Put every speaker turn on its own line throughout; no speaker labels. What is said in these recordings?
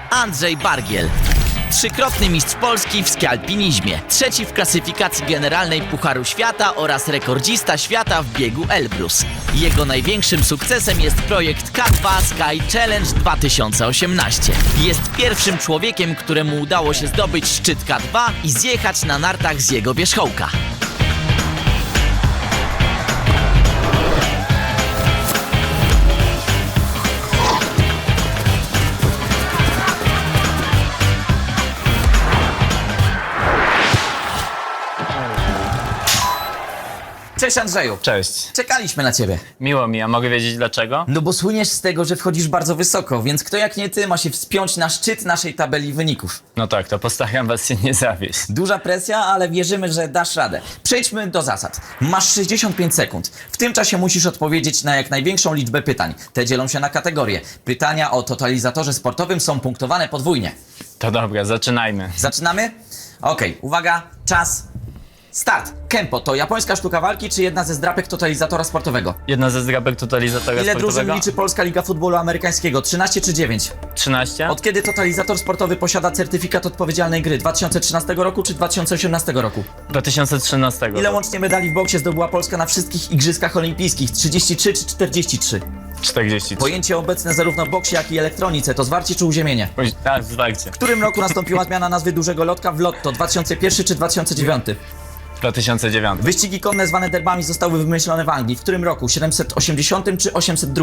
Andrzej Bargiel. Trzykrotny mistrz Polski w skialpinizmie, trzeci w klasyfikacji generalnej Pucharu Świata oraz rekordzista świata w biegu Elbrus. Jego największym sukcesem jest projekt K2 Sky Challenge 2018. Jest pierwszym człowiekiem, któremu udało się zdobyć szczyt K2 i zjechać na nartach z jego wierzchołka. Cześć Andrzeju.
Cześć.
Czekaliśmy na ciebie.
Miło mi, a mogę wiedzieć dlaczego?
No bo słyniesz z tego, że wchodzisz bardzo wysoko, więc kto jak nie ty ma się wspiąć na szczyt naszej tabeli wyników.
No tak, to postaram was się nie zawieść.
Duża presja, ale wierzymy, że dasz radę. Przejdźmy do zasad. Masz 65 sekund. W tym czasie musisz odpowiedzieć na jak największą liczbę pytań. Te dzielą się na kategorie. Pytania o totalizatorze sportowym są punktowane podwójnie.
To dobra, zaczynajmy.
Zaczynamy? Okej, uwaga, czas, start. Kempo to japońska sztuka walki czy jedna ze zdrapek totalizatora sportowego?
Jedna ze zdrapek totalizatora
Ile drużyn
sportowego?
liczy Polska Liga Futbolu Amerykańskiego? 13 czy 9?
13?
Od kiedy totalizator sportowy posiada certyfikat odpowiedzialnej gry? 2013 roku czy 2018 roku?
2013.
Ile łącznie medali w boksie zdobyła Polska na wszystkich igrzyskach olimpijskich? 33 czy 43?
43.
Pojęcie obecne zarówno w boksie, jak i elektronice to zwarcie czy uziemienie?
Tak, zwarcie.
W którym roku nastąpiła zmiana nazwy dużego lotka w lotto? 2001 czy 2009?
2009.
Wyścigi konne zwane derbami zostały wymyślone w Anglii. W którym roku? 780 czy 802?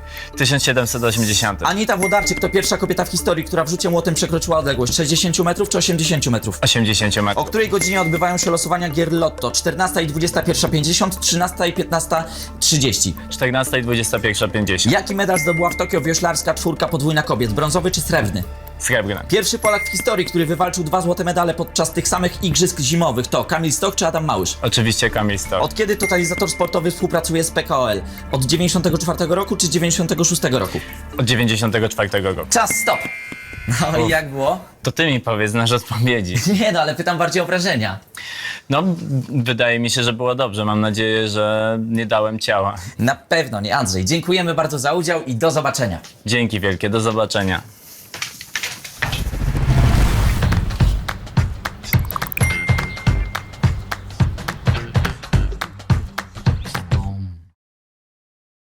1780.
Anita Włodarczyk to pierwsza kobieta w historii, która w rzucie młotem przekroczyła odległość 60 metrów czy 80 metrów?
80
O
metrów.
której godzinie odbywają się losowania gier Lotto? 14 i 21:50, 13 i 15:30.
14 i 21:50.
Jaki medal zdobyła w Tokio wioślarska czwórka podwójna kobiet? Brązowy czy srebrny?
Srebrne.
Pierwszy Polak w historii, który wywalczył 2 złote medale podczas tych samych igrzysk zimowych to Kamil Stoch czy Adam Małysz?
Oczywiście Kamil Stoch.
Od kiedy totalizator sportowy współpracuje z PKOL? Od 94 roku czy 96 roku?
Od 94 roku.
Czas, stop! No i jak było?
To ty mi powiedz, znasz odpowiedzi.
Nie no, ale pytam bardziej o wrażenia.
No, wydaje mi się, że było dobrze. Mam nadzieję, że nie dałem ciała.
Na pewno nie, Andrzej. Dziękujemy bardzo za udział i do zobaczenia.
Dzięki wielkie, do zobaczenia.